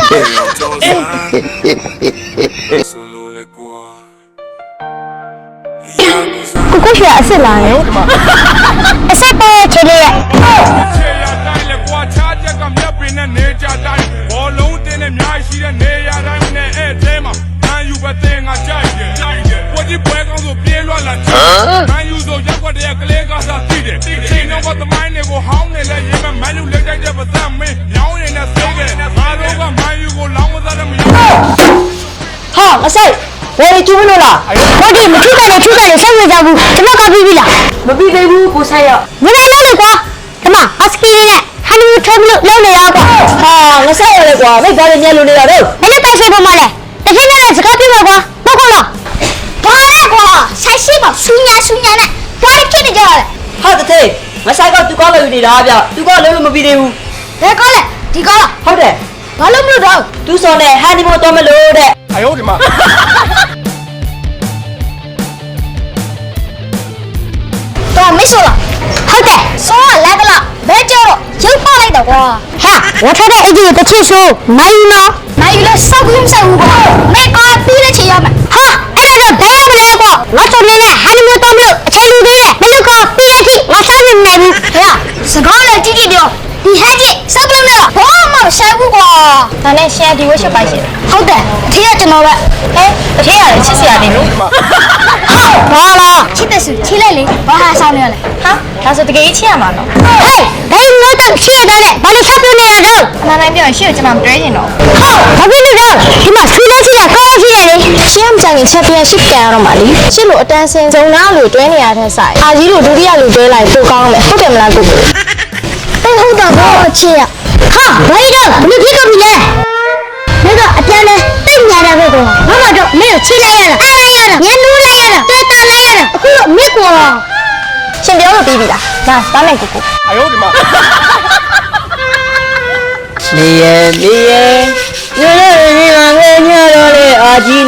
ကိုရွှေအစ်စ်လာတယ်အစ်စ်ပေါ်ချေလေးရဲ့ခြေရတိုင်းလေကွာချားချက်ကမြက်ပင်နဲ့နေကြတိုင်းဘောလုံးတင်းနဲ့များရှိတဲ့နေရာတိုင်းနဲ့အဲ့အဲမှာမန်ယူပဲတင်ငါကြိုက်တယ်ကိုကြီးပွဲကောင်းဆိုပြေးလွှတ်လာချင်မန်ယူဆိုရက်ွက်တဲ့ကလေးကစားသိတယ်ချိန်တော့သမိုင်းတွေကိုဟောင်းနေလဲရေးမမန်ယူလက်တိုက်တဲ့ပါစမင်းညောင်းနေတဲ့စိတ်ကငါတို့ကမန်ယူကိုလောင်းမသားတယ်မရဟာမဆိုင်ဝယ်ကျူးလို့လားဟုတ်တယ်မထူးတယ်ထူးတယ်ဆက်မကြဘူးကျွန်တော်ကပြီးပြီလားမပြီးသေးဘူးကိုဆိုင်ရမနိုင်လို့လေကွာဒီမှာအစကီနဲ့ဟန်ယူထုံးလို့လုံးနေရကွာဟာငါဆက်ရလေကွာမိတ်သားတွေညက်လို့နေရတော့မင်းတိုက်ဆိုင်ပေါ်မှာလဲတကယ်နဲ့စကားပြောမှာကွာဟုတ်ကောလားဘာလဲကွာဆိုင်ရှိပါဆူညာနဲ့ဘာလို့ဖြစ်နေကြလဲဟုတ်တယ်မဆိုင်ကသူကောလို့ယူနေတာဗျသူကလုံးလို့မပြီးသေးဘူးဘယ်ကောလဲဒီကောလားဟုတ်တယ်ဘာလို့မလို့တော့သူစော်နဲ့ဟန်ဒီမိုတော့မလို့တဲ့အ呦我的妈！ တော့没说了，好的，说来的了，别叫了，就跑来的哇！哈，我穿的一件不清楚，没有呢，没有了，少不用少不过，没搞比了钱要买。哈，哎那个白不来过，我昨天呢还没有到没有，才六个月，没那个比了钱，我上面买不。哎呀，是搞了几的，你还记少不了没有？我冇少不过，那你现在给我小白些。好的，听下就拿呗。哎，听下来，其实也得录。好，完了，听的是听来的，我还少了嘞。哈，但是这个一千嘛喏。哎，哎，我等学的嘞，把你差不多那个肉。那那边学就蛮对的喏。好，差不多肉，你嘛谁来起来，高起来的。ရှင်းကြရင်ချက်ပြရှစ်ကန်ရတော့မှာလीရှစ်လို့အတန်းစင်စုံနာလို့တွဲနေရတဲ့ဆိုင်အာကြီးလို့ဒုတိယလို့တွဲလိုက်ပိုကောင်းမယ်ဟုတ်တယ်မလားကိုကိုဟုတ်တော့ဘောချေရဟာဘာလို့ဘယ်လိုဖြစ်ကုန်ပြီလဲ那个阿爹呢？对面那个哥，妈妈就没有起来呀了，来呀了，年路来呀了，再打来呀了，嚯，没过了。先不要了，比比啦，那咱们姑姑。 哎呦我的妈！ 你也，原来你那个娘惹的阿吉